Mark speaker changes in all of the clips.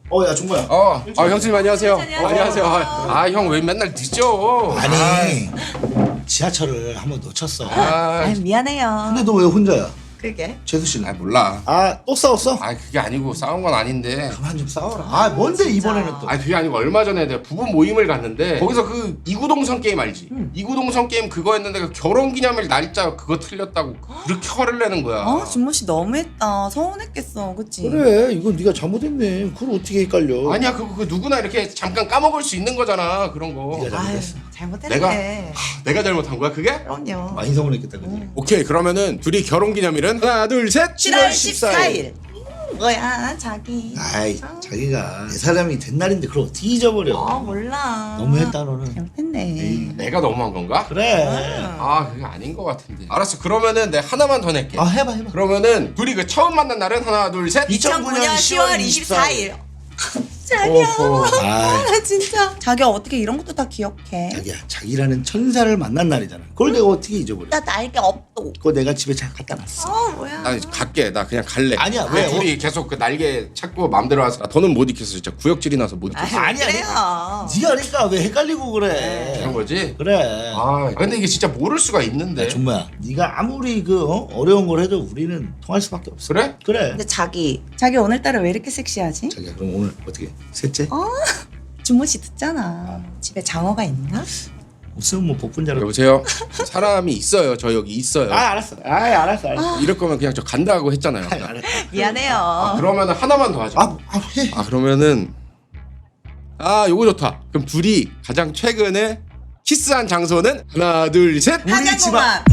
Speaker 1: 야 종모야.
Speaker 2: 형수님 안녕하세요.
Speaker 3: 안녕하세요.
Speaker 2: 안녕하세요. 형 왜 맨날 늦죠?
Speaker 1: 아니 지하철을 한번 놓쳤어.
Speaker 3: 미안해요.
Speaker 1: 근데 너 왜 혼자야?
Speaker 3: 그게?
Speaker 1: 재수 씨는?
Speaker 2: 몰라.
Speaker 1: 또 싸웠어?
Speaker 2: 그게 아니고 싸운 건 아닌데.
Speaker 1: 그만 좀 싸워라. 뭔데 이번에는 또?
Speaker 2: 그게 아니고 얼마 전에 내가 부부 모임을 갔는데 거기서 그 이구동성 게임 알지? 이구동성 게임 그거 했는데 그 결혼기념일 날짜 그거 틀렸다고 그렇게 화를 내는 거야.
Speaker 3: 준모 씨 너무했다. 서운했겠어, 그치?
Speaker 1: 그래 이건 네가 잘못했네. 그걸 어떻게 헷갈려?
Speaker 2: 아니야 그거 누구나 이렇게 잠깐 까먹을 수 있는 거잖아 그런 거.
Speaker 1: 네가 잘못했어.
Speaker 3: 잘못했네.
Speaker 2: 내가 잘못한 거야 그게?
Speaker 3: 그럼요.
Speaker 1: 많이 서운했겠다 그지?
Speaker 2: 오케이 그러면은 둘이 결혼기념일은 하나 둘 셋.
Speaker 3: 7월 14일. 뭐야, 자기.
Speaker 1: 자기가 내 사람이 된 날인데 그걸 어떻게 잊어버려?
Speaker 3: 몰라.
Speaker 1: 너무했다 너는.
Speaker 3: 잘못했네.
Speaker 2: 내가 너무한 건가?
Speaker 1: 그래.
Speaker 2: 그게 아닌 것 같은데. 알았어 그러면은 내가 하나만 더 낼게.
Speaker 1: 해봐.
Speaker 2: 그러면은 둘이 그 처음 만난 날은 하나 둘 셋.
Speaker 3: 2009년 10월 24일. 자기야. 나 진짜. 자기야 어떻게 이런 것도 다 기억해?
Speaker 1: 자기라는 천사를 만난 날이잖아. 그걸 내가 어떻게 잊어버려?
Speaker 3: 나 날개 없도.
Speaker 1: 그거 내가 집에 잘 갖다 놨어.
Speaker 3: 뭐야.
Speaker 2: 나 갈게. 나 그냥 갈래.
Speaker 1: 아니야, 왜?
Speaker 2: 둘이 계속 그 날개 찾고 마음대로 와서 더는 못 익혔어. 진짜 구역질이 나서 못 익혔어.
Speaker 1: 아니야.
Speaker 3: 그래요.
Speaker 1: 네가 그러니까 왜 헷갈리고 그래?
Speaker 2: 그런 거지?
Speaker 1: 그래.
Speaker 2: 근데 이게 진짜 모를 수가 있는데.
Speaker 1: 정말 네가 아무리 어려운 걸 해도 우리는 통할 수밖에 없어.
Speaker 2: 그래?
Speaker 1: 그래.
Speaker 3: 근데 자기 오늘따라 왜 이렇게 섹시하지?
Speaker 1: 자기야 그럼 오늘 어떻게 셋째?
Speaker 3: 준모 씨 듣잖아. 집에 장어가 있나?
Speaker 1: 없으면 뭐 복분자로.
Speaker 2: 여보세요? 사람이 있어요. 저 여기 있어요.
Speaker 1: 알았어. 알았어.
Speaker 2: 이럴 거면 그냥 저 간다고 했잖아요.
Speaker 1: 알았어.
Speaker 3: 미안해요.
Speaker 2: 그러면은 하나만 더 하자.
Speaker 1: 해.
Speaker 2: 그러면은 요거 좋다. 그럼 둘이 가장 최근에 키스한 장소는 하나 둘 셋.
Speaker 3: 한강공원.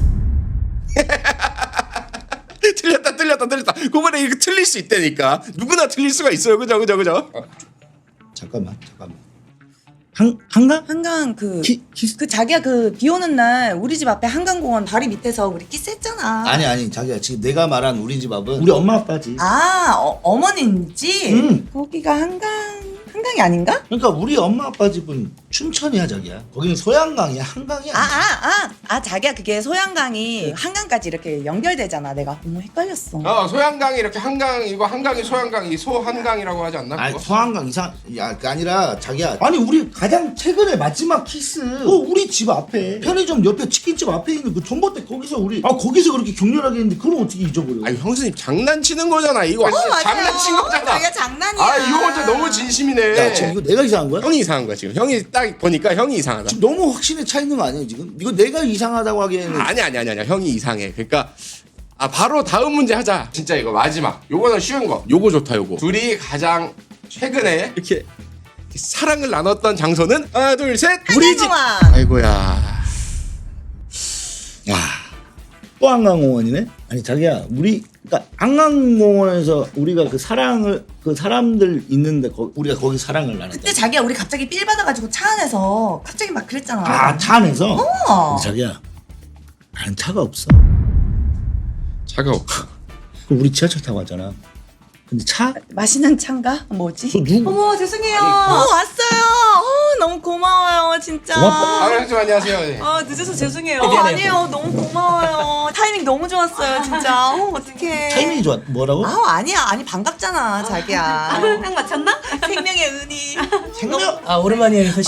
Speaker 2: 틀렸다. 그번에 이거 틀릴 수 있다니까. 누구나 틀릴 수가 있어요. 그죠?
Speaker 1: 잠깐만. 한강?
Speaker 3: 한강
Speaker 1: 키스?
Speaker 3: 그 자기야 그 비 오는 날 우리 집 앞에 한강공원 다리 밑에서 우리 키스했잖아.
Speaker 1: 아니 자기야 지금 내가 말한 우리 집 앞은 우리 엄마 아빠지.
Speaker 3: 어머니인지? 거기가 한강이 아닌가?
Speaker 1: 그러니까 우리 엄마 아빠 집은 춘천이야 자기야. 거기는 소양강이야. 한강이야.
Speaker 3: 자기야 그게 소양강이 한강까지 이렇게 연결되잖아. 내가 너무 헷갈렸어.
Speaker 2: 소양강이 이렇게 한강이고 한강이 소양강이 소한강이라고 하지 않나? 그거?
Speaker 1: 소양강 그 아니라 자기야. 아니 우리 가장 최근에 마지막 키스. 우리 집 앞에 편의점 옆에 치킨집 앞에 있는 그 전봇대 거기서 우리 거기서 그렇게 격렬하게 했는데 그걸 어떻게 잊어버려?
Speaker 2: 형수님 장난치는 거잖아. 이거
Speaker 3: 맞아요.
Speaker 2: 장난친 거잖아.
Speaker 3: 자기야 장난이야.
Speaker 2: 이거 진짜 너무 진심이네.
Speaker 1: 야 지금 이거 내가 이상한 거야?
Speaker 2: 형이 이상한 거야 지금. 형이 딱 보니까 형이 이상하다.
Speaker 1: 지금 너무 확신에 차 있는 거 아니야 지금? 이거 내가 이상하다고 하기에는.
Speaker 2: 아니야. 형이 이상해. 그러니까 바로 다음 문제 하자. 진짜 이거 마지막. 요거는 쉬운 거. 요거 좋다 요거. 둘이 가장 최근에 이렇게 사랑을 나눴던 장소는 하나 둘 셋. 우리 집.
Speaker 3: 한강공원.
Speaker 2: 아이고야.
Speaker 1: 또 한강공원이네? 아니 자기야 그러니까 한강공원에서 우리가 그 사람들 있는데 우리가 거기 사랑을 나눴다.
Speaker 3: 그때 자기야 우리 갑자기 삘 받아가지고 차 안에서 갑자기 막 그랬잖아.
Speaker 1: 차 안에서?
Speaker 3: 어.
Speaker 1: 근데 자기야 나는 차가 없어.
Speaker 2: 차가
Speaker 1: 그럼 우리 지하철 타고 왔잖아. 근데
Speaker 3: 마시는 차인가? 뭐지?
Speaker 1: 누구?
Speaker 3: 어머 죄송해요. 왔어요. 너무 고마워요 진짜.
Speaker 1: 고맙다.
Speaker 2: 형님 안녕하세요. 네.
Speaker 3: 늦어서 죄송해요. 아니에요 너무 고마워요. 타이밍 너무 좋았어요 진짜. 어떡해.
Speaker 1: 타이밍이 좋아. 뭐라고?
Speaker 3: 아니야 반갑잖아 자기야. 딱 맞췄나? 생명의 은희.
Speaker 1: 생명?
Speaker 4: 오랜만이에요 효씨.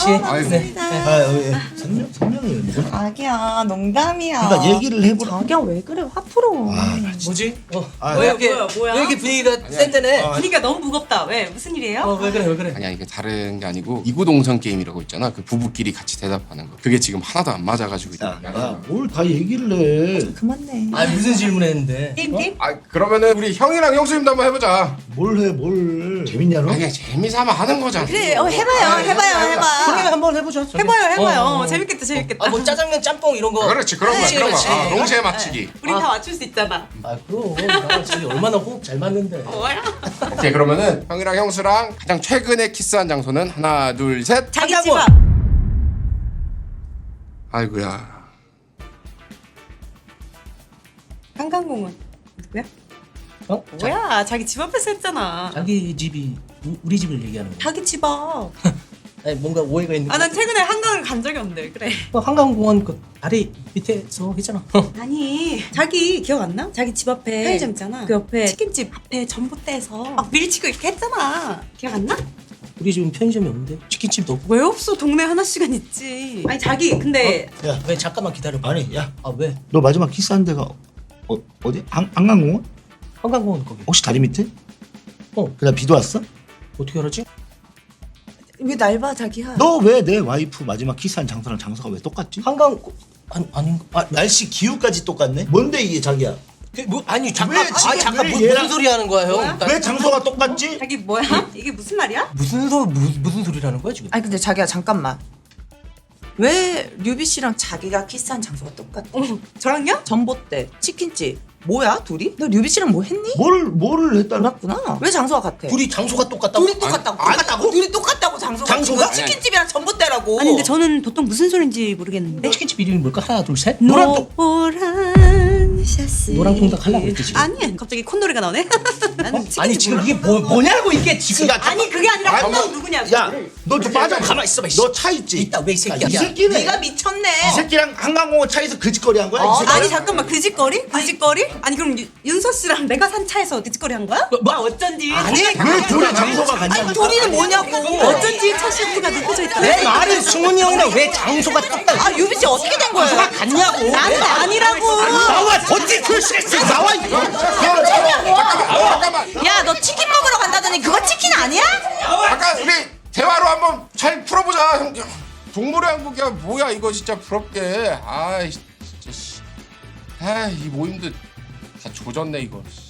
Speaker 1: 생명이 뭐야?
Speaker 3: 자기야 농담이야.
Speaker 1: 그러니까 얘기를 해보라.
Speaker 3: 자기야 왜 그래 화 풀어.
Speaker 4: 뭐지?
Speaker 5: 뭐야?
Speaker 4: 왜 이렇게 분위기가 센데네?
Speaker 5: 분위기가 너무 무겁다. 왜? 무슨 일이에요?
Speaker 4: 왜 그래?
Speaker 2: 아니야 이게 다른 게 아니고 이구동성 게임이라고 있잖아. 그 부부끼리 같이 대답하는 거. 그게 지금 하나도 안 맞아가지고.
Speaker 1: 뭘 다 얘기를 해.
Speaker 3: 그만해.
Speaker 4: 무슨 질문했는데?
Speaker 5: 게임?
Speaker 2: 그러면 우리 형이랑 형수님도 한번 해보자.
Speaker 1: 뭘 해, 뭘. 재밌냐, 너?
Speaker 2: 그냥 재미삼아 하는 거잖아.
Speaker 3: 그래 해봐요.
Speaker 4: 형님 한번 해보죠. 저기.
Speaker 5: 해봐요. 재밌겠다.
Speaker 4: 뭐 짜장면 짬뽕 이런 거.
Speaker 2: 그렇지 그런 거
Speaker 4: 그렇지,
Speaker 2: 그런 거.
Speaker 4: 그렇지.
Speaker 2: 동시에 맞추기.
Speaker 5: 우린 다 맞출 수 있잖아.
Speaker 4: 그럼 나랑 저기 얼마나 호흡 잘 맞는데.
Speaker 5: 뭐야?
Speaker 2: 오케이 그러면은 형이랑 형수랑 가장 최근에 키스한 장소는 하나 둘 셋.
Speaker 5: 자기 집
Speaker 4: 한강공원.
Speaker 5: 앞.
Speaker 2: 아이고야.
Speaker 5: 한강공원. 누구야?
Speaker 4: 뭐야?
Speaker 5: 자기 집 앞에서 했잖아.
Speaker 4: 자기 집이 우리 집을 얘기하는 거야.
Speaker 5: 자기 집 앞.
Speaker 4: 아니 뭔가 오해가 있는.
Speaker 5: 아 난 최근에 한강을 간 적이 없는데 그래.
Speaker 4: 한강공원 그 다리 밑에서 했잖아.
Speaker 5: 아니 자기 기억 안 나? 자기 집 앞에 편의점 있잖아. 그 옆에 치킨집 앞에 전봇대에서 막 밀치고 이렇게 했잖아. 기억 안 나?
Speaker 4: 우리 집은 편의점이 없는데 치킨집도 없고.
Speaker 5: 왜 없어? 동네 하나씩은 있지. 아니 자기 근데
Speaker 1: 야,
Speaker 4: 왜 잠깐만 기다려봐.
Speaker 1: 아니, 야,
Speaker 4: 아 왜?
Speaker 1: 너 마지막 키스한 데가 어디? 한강공원?
Speaker 4: 한강공원 거기.
Speaker 1: 혹시 다리 밑에?
Speaker 4: 어.
Speaker 1: 그냥 비도 왔어?
Speaker 4: 어떻게 알았지?
Speaker 3: 왜 날 봐 자기야?
Speaker 1: 너 왜 내 와이프 마지막 키스한 장소랑 장소가 왜 똑같지?
Speaker 4: 한강 아닌가?
Speaker 1: 아, 날씨 기후까지 똑같네? 뭔데 이게 자기야?
Speaker 4: 뭐 아니 잠깐.
Speaker 1: 왜 지금
Speaker 4: 잠깐
Speaker 1: 왜
Speaker 4: 무슨
Speaker 1: 얘랑-
Speaker 4: 소리 하는 거야 형?
Speaker 5: 뭐야?
Speaker 1: 왜 장소가 똑같지?
Speaker 5: 자기 뭐야? 이게 무슨 말이야?
Speaker 4: 무슨 소리라는 거야 지금?
Speaker 3: 아니 근데 자기야 잠깐만. 왜 류비 씨랑 자기가 키스한 장소가 똑같아?
Speaker 5: 저랑요?
Speaker 3: 전봇대, 치킨집. 뭐야 둘이? 너 류비 씨랑 뭐 했니?
Speaker 1: 뭐를 했다는
Speaker 3: 몰랐구나. 왜 장소가 같아?
Speaker 4: 둘이 장소가 똑같다고?
Speaker 3: 둘이 똑같다고. 똑같다고? 둘이 똑같다고 장소가.
Speaker 4: 장소가?
Speaker 3: 지금 치킨집이랑 전봇대라고.
Speaker 5: 아니 근데 저는 보통 무슨 소리인지 모르겠는데.
Speaker 4: 치킨집 이름이 뭘까? 하나 둘 셋. 노란 똥.
Speaker 5: 노란 샤스.
Speaker 4: 노란 통닭 하려고 했지 지금.
Speaker 5: 아니 갑자기 콧노래가 나오네. 나는
Speaker 4: 아니 지금 이게 뭐냐고 이게 지금.
Speaker 5: 아니 그게 아니라
Speaker 1: 아니,
Speaker 5: 한강 누구냐고.
Speaker 1: 야, 너 좀 빠져.
Speaker 4: 가만 있어봐.
Speaker 1: 너 차 있지?
Speaker 4: 있다 왜 이 새끼야?
Speaker 1: 이 새끼네.
Speaker 3: 네가 미쳤네.
Speaker 1: 이 새끼랑 한강공원 차에서 그 짓거리 한 거야? 이 새끼?
Speaker 5: 아니 잠깐만 그 짓거리? 그 짓거리? 아니 그럼 윤서 씨랑 내가 산 차에서 그 짓거리 한 거야?
Speaker 4: 뭐?
Speaker 5: 아 어쩐지
Speaker 4: 아니,
Speaker 1: 왜 둘의 장소가 같냐?
Speaker 3: 아니 둘이는 뭐냐고.
Speaker 5: 어쩐지 차 시트가 느껴져 있다.
Speaker 4: 내 말은 승훈이 형이랑 왜 장소가 똑같아?
Speaker 3: 아 류비 씨 어떻게 된 거예요?
Speaker 4: 같냐고?
Speaker 5: 나는 아니라고.
Speaker 4: 나와 어떻게 표시했어? 나와 이거.
Speaker 2: 잠깐만.
Speaker 3: 야 너 치킨 먹으러 간다더니 그거 치킨 아니야?
Speaker 2: 아까 우리 대화로 한번 잘 풀어보자. 형. 동물의 왕국이야 뭐야 이거 진짜 부럽게. 아이 진짜 씨. 아이 모임도 다 조졌네 이거.